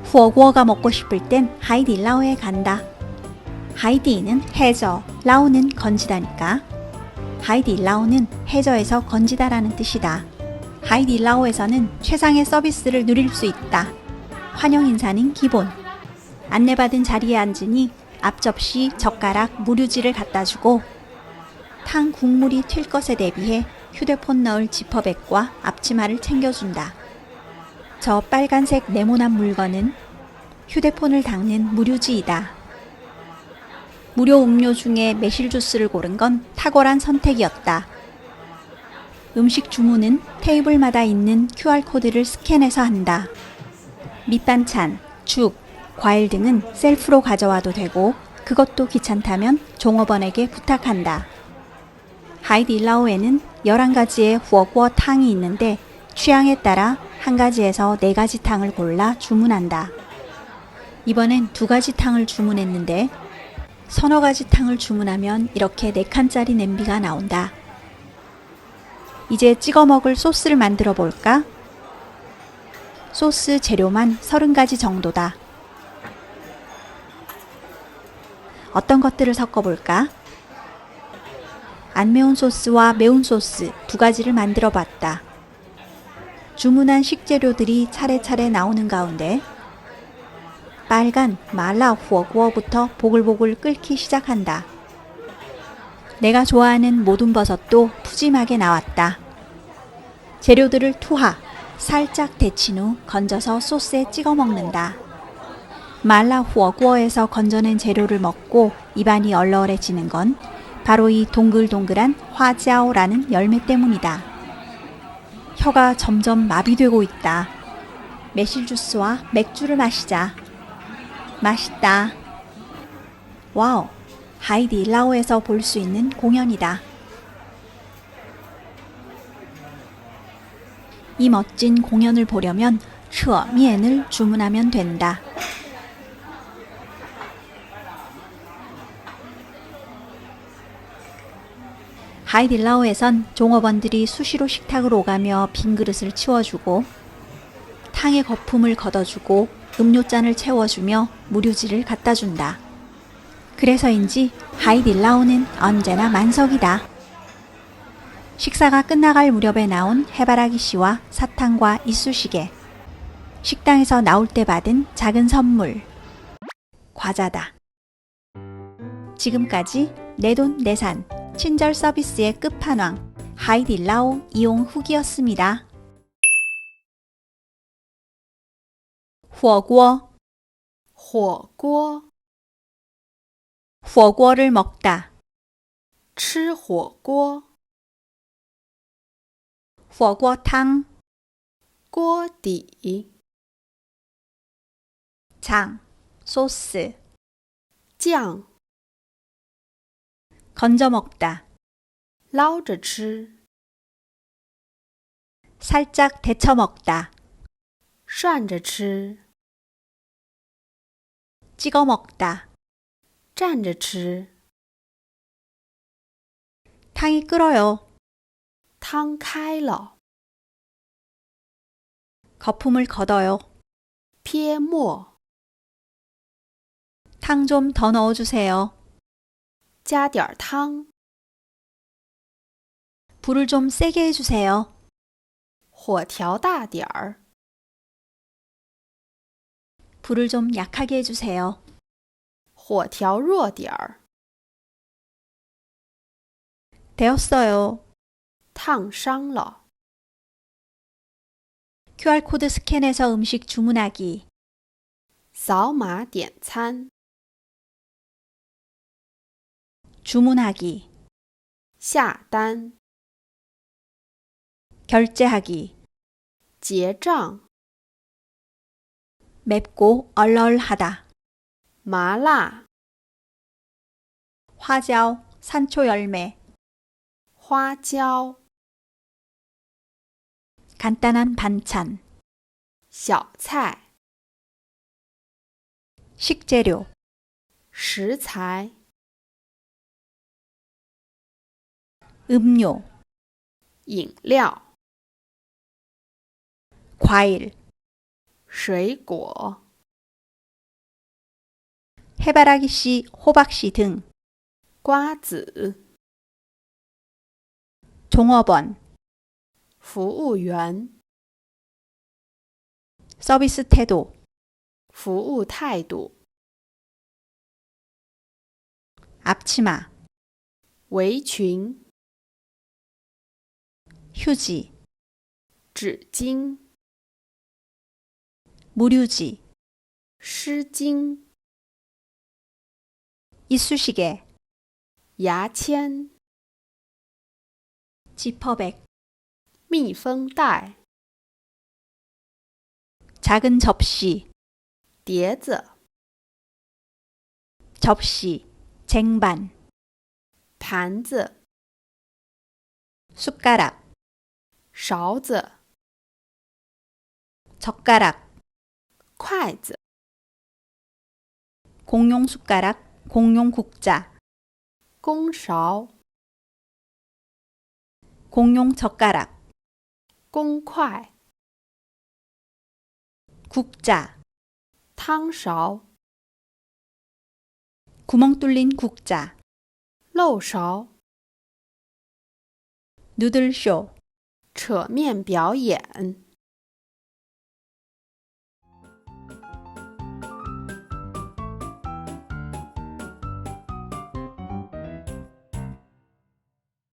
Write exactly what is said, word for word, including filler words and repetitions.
후어구어가 먹고 싶을 땐 하이디라오에 간다. 하이디는 해저, 라오는 건지다니까. 하이디라오는 해저에서 건지다라는 뜻이다. 하이디라오에서는 최상의 서비스를 누릴 수 있다. 환영 인사는 기본. 안내받은 자리에 앉으니 앞 접시, 젓가락, 무류지를 갖다주고 탕 국물이 튈 것에 대비해 휴대폰 넣을 지퍼백과 앞치마를 챙겨준다. 저 빨간색 네모난 물건은 휴대폰을 닦는 무류지이다. 무료 음료 중에 매실 주스를 고른 건 탁월한 선택이었다. 음식 주문은 테이블마다 있는 큐알코드를 스캔해서 한다. 밑반찬, 죽, 과일 등은 셀프로 가져와도 되고 그것도 귀찮다면 종업원에게 부탁한다. 하이디라오에는 열한 가지의 후어구어 탕이 있는데 취향에 따라 한 가지에서 네 가지 탕을 골라 주문한다. 이번엔 두 가지 탕을 주문했는데 서너 가지 탕을 주문하면 이렇게 네 칸짜리 냄비가 나온다. 이제 찍어 먹을 소스를 만들어 볼까? 소스 재료만 서른 가지 정도다. 어떤 것들을 섞어 볼까? 안 매운 소스와 매운 소스 두 가지를 만들어 봤다. 주문한 식재료들이 차례차례 나오는 가운데 빨간 말라 후어구어부터 보글보글 끓기 시작한다. 내가 좋아하는 모든 버섯도 푸짐하게 나왔다. 재료들을 투하, 살짝 데친 후 건져서 소스에 찍어 먹는다. 말라 후어구어에서 건져낸 재료를 먹고 입안이 얼얼해지는 건 바로 이 동글동글한 화자오라는 열매 때문이다. 혀가 점점 마비되고 있다. 매실 주스와 맥주를 마시자. 맛있다. 와우, 하이디라오에서 볼 수 있는 공연이다. 이 멋진 공연을 보려면 셔미엔을 주문하면 된다. 하이디라오에선 종업원들이 수시로 식탁을 오가며 빈 그릇을 치워주고 탕의 거품을 걷어주고 음료잔을 채워주며 무류지를 갖다준다. 그래서인지 하이디라오는 언제나 만석이다. 식사가 끝나갈 무렵에 나온 해바라기 씨와 사탕과 이쑤시개, 식당에서 나올 때 받은 작은 선물, 과자다. 지금까지 내돈내산 친절 서비스의 끝판왕 하이디라오 이용 후기였습니다. 후어구어, 火锅 후어구어를 먹다. 吃火锅 후어구어탕, 锅底 장, 소스, 酱 건져 먹다. 捞着吃 살짝 데쳐 먹다. 涮着吃 찍어 먹다. 蘸着吃 탕이 끓어요. 汤开了 거품을 걷어요. 撇沫 탕 좀 더 넣어주세요. 加点儿汤 불을 좀 세게 해주세요. 火调大点儿 불을 좀 약하게 해주세요. 火调弱点儿 되었어요. 烫伤了 큐알코드 스캔해서 음식 주문하기. 扫码点餐 주문하기. 下单 결제하기. 结账 맵고 얼얼하다. 麻辣 화자오, 산초 열매. 花椒 간단한 반찬. 小菜 식재료. 食材 음료. 饮料 과일. 水果 해바라기 씨, 호박 씨 등. 瓜子、 종업원, 服务员、 서비스 태도, 服务态度、 앞치마, 围裙、 휴지, 纸巾、 무류지, 湿巾、 이쑤시개, 牙签、 지퍼백, 密封袋、 작은 접시, 碟子、 접시, 쟁반, 盘子、 숟가락, 勺子、 젓가락, 筷子、 공용 숟가락, 공용 국자, 公勺、 공용 젓가락, 公筷、 국자, 汤勺、 구멍 뚫린 국자, 漏勺、 누들쇼, 扯面表演。